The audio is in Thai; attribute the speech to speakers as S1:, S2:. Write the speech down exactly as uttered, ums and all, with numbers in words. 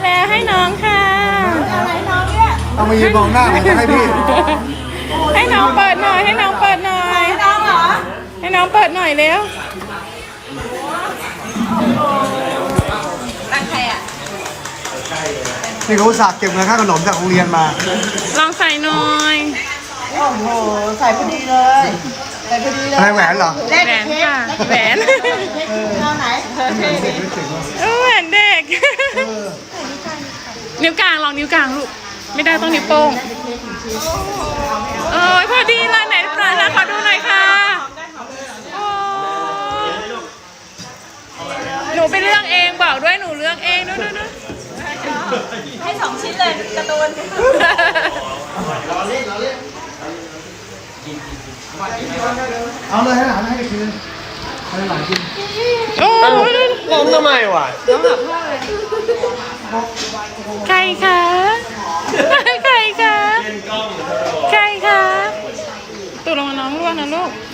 S1: แล้วให้น้องค่ะอะไรน้องเนี่ย
S2: เอามายืนมองหน้าผมจะให้พี่
S1: ให้น้องเปิดหน่อยให้น้องเปิดหน่อยให้น้องเหรอให้น้องเปิดหน่อยเร็วตั้งใครอ่ะ
S2: นี่เขาอุตส่าห์เก็บเงินค่าขนมจากโรงเรียนมา
S1: ลองใส่หน่อย
S3: โอ้โหใส่พอดีเลยใส่พอดีเลย
S2: อะไรแหวนเหรอ
S1: แหวนค่ะแหวน
S3: เอาไหน
S1: เออแหวนเด็กนิ้วกลางลองนิ้วกลางลูกไม่ได้ต้องนิ้วโป้งโอ้ยพอดีเลยไหนปลาขอดูหน่อยค่ะโอ้หนูไปเลือกเองบอกด้วยหนูเลือกเองด้วยด้วยด้วยให้สองชิ้นเลยการ์ตูน
S2: เอาเลยให้หลานให้คืนให้หลานกิน
S1: โอ้ย
S4: ล้มทำไมวะ
S1: ใครคะใครคะใครคะตัวลงมาน้องร่วงนะลูก